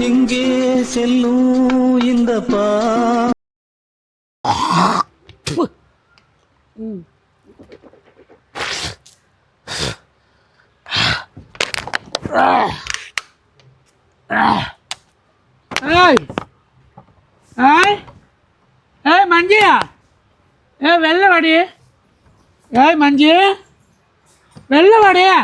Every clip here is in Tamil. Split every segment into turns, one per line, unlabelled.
எங்கே செல்லும் இந்த பா
மஞ்சியா வெள்ளை வாடி மஞ்சி வெள்ளை வாடியா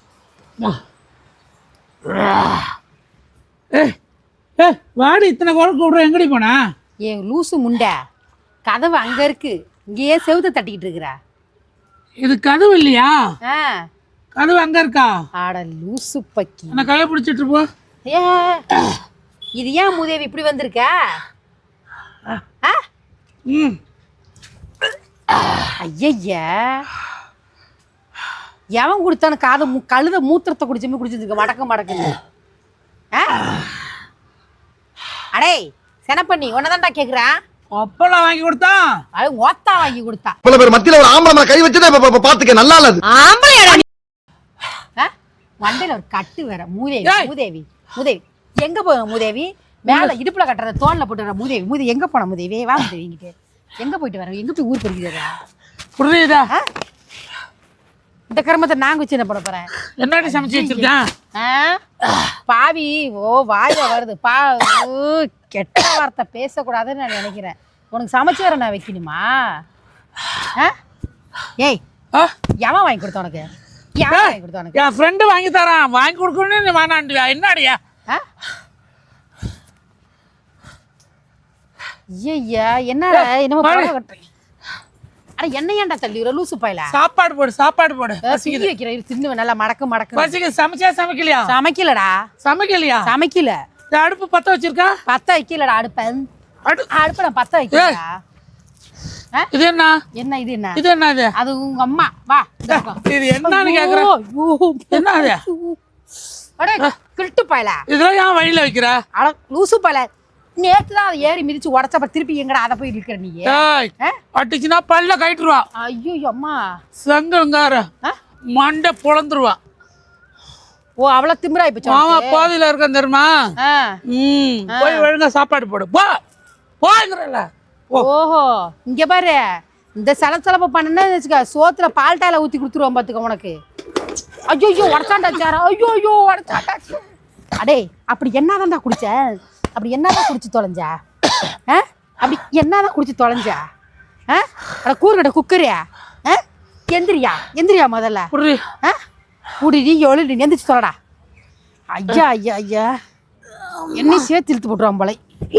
வாடி இத்தனை குழந்தை விட்ற எங்கடி போனா
ஏன் லூசு முண்டை கதவு அங்க இருக்கு இங்கேயே செவுத்த தட்டிக்கிட்டு இருக்கிறா
இது கதவு இல்லையா கதவு அங்க இருக்கா
ஆட லூசு பக்கி
என்ன கையை பிடிச்சிட்டு போ
ஏ இது ஏன் மூதேவி இப்படி வந்திருக்க ஐயா எவன் குடித்தான கழுத மூத்திரத்தை குடிச்சுமே குடிச்சிருக்க மடக்குன்னு அடே செனப்பண்ணி உன்னதான்டா கேக்குறேன்
அப்பெல்லாம் வாங்கி கொடுத்தா
அது ஓத்தா வாங்கி கொடுத்தா
பல பேர் மத்தியில ஒரு ஆம்பளை கை வச்சதே பாத்துக்க நல்லா இல்ல
ஆம்பளையாடா மண்டையில ஒரு கட்டு வேற மூதேவி எங்க போன மூதேவி மேல இடுப்புல கட்டுறத தோல்ல போட்டுற மூதேவி எங்க போன மூதேவி வா மூதேவி இங்கிட்டு எங்க போயிட்டு வர எங்க போய் ஊர் போறீங்க
புரியுதா
இந்த கர்மத்தை நாங்க வச்சு என்ன பண்ண போறேன்
என்னடி சமைச்சு வச்சிருக்கேன்
பாவி வாயில வருது கெட்ட வார்த்தை பேசக்கூடாதுன்னு நான் நினைக்கிறேன் உனக்கு சமைச்சு வர நான் வைக்கணுமா ஏய் எவன் வாங்கி கொடுத்த உனக்கு
என் ஃப்ரெண்டு வாங்கி தரான் வாங்கி கொடுக்கணும்னு வேணாண்டியா என்னடியா
ஐயா என்னடா என்னமோ கட்டுறீங்க அட என்ன ஏன்டா தள்ளி லூசு பாயில
சாப்பாடு போடு
சிக்கி வைக்கிற தின்னு நல்லா மடக்கு
பசிக்கு சமைக்கலையா
சமைக்கல
அடுப்பு பத்த வச்சிருக்கா
பத்த வைக்கலடா அடுப்பை நான் பத்த வைக்கலடா
இது என்ன
இது என்ன
இது என்ன இது
அது உங்க அம்மா வா
இது என்னன்னு கேக்குறேன் என்ன அது
அடே கில்ட்டு பாயில
இதெல்லாம் ஏன் வழியில வைக்கிற
அட லூசு பாயில நேத்து தான் அதை ஏறி மிதிச்சு உடச்சப்ப திருப்பி எங்கடா அதை போய் இருக்கிற நீ
அட்டிச்சுன்னா பல்ல கயிட்டுருவா
ஐயோ அம்மா
சங்கங்கார மண்டை பொழந்துருவா
ஓ அவ்வளவு திமிரா இப்ப
ஆமா பாதியில இருக்க தெரியுமா போய் ஒழுங்கா சாப்பாடு போடு போங்கிறல
ஓஹோ இங்க பாரு இந்த சலசலப்ப பண்ணனே வச்சுக்க சோத்துல பால்டாயில ஊத்தி கொடுத்துருவோம் பாத்துக்க உனக்கு ஐயோ உடச்சாண்டா சாரா ஐயோ உடச்சாண்டா அடே அப்படி என்னதான்டா குடிச்ச அப்படி என்னதான் குடிச்சு தொலைஞ்சா அப்படி என்னதான் குடிச்சு தொலைஞ்சா அட கூறுகட குக்கரியா எந்திரியா முதல்ல குடிடி எழுதி எந்திரிச்சு தொலைடா ஐயா என்னையும் சேர்த்து இழுத்து போட்டுருவான் போல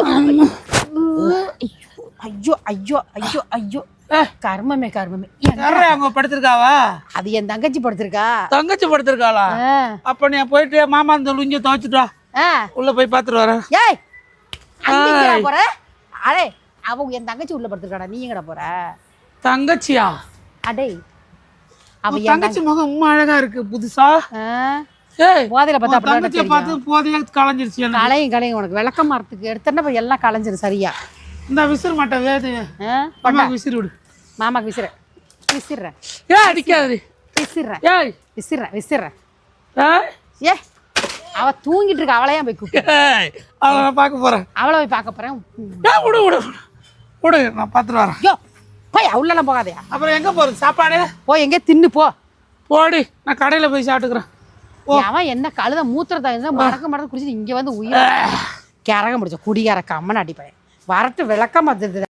ஐயோ கர்மமே
அவங்க படுத்திருக்காவா
அது என் தங்கச்சி
படுத்திருக்காளா அப்ப நீ போயிட்டு மாமா இந்த லுங்கிய துவைச்சிட்டு வா உள்ள போய் பாத்துட்டு வரேன்
ஏய் போற அடே அவ என் தங்கச்சி உள்ள படுத்திருக்காடா நீ எங்கடா போற
தங்கச்சியா
அடே
அவ தங்கச்சி முகம் ரொம்ப அழகா இருக்கு புதுசா ஏய்
போதையில பார்த்தா
தங்கச்சியை பார்த்து போதைய களைஞ்சிருச்சு
களையும் உனக்கு விளக்க மரத்துக்கு எடுத்தா எல்லாம் களைஞ்சிரும் சரியா
இந்த விசிற மாட்டேன் வேது மாமாக்கு விசிறு விடு
மாமாக்கு விசிறேன்
ஏய் அடிக்காது
விசிறேன் ஏ அவ தூங்கிட்டு இருக்க அவளையா போய் கூப்பிட்டு
அவளை பார்க்க போறேன்
அவளை போய் பார்க்க போறேன்
விடு நான் பார்த்துட்டு வரேன்
யோ போய் உள்ளலாம் போகாதயா
அப்புறம் எங்க போறது சாப்பாடு
போய் எங்கே தின்னு
போடி நான் கடையில போய் சாப்பிட்டுக்கிறேன்
அவன் என்ன கழுத மூத்திரத்தா இருந்தா மடக்க குடிச்சிட்டு இங்க வந்து உயிர் கிறக முடிச்ச குடிகார கம்மன் அடிப்பேன் வரட்டு விளக்கமா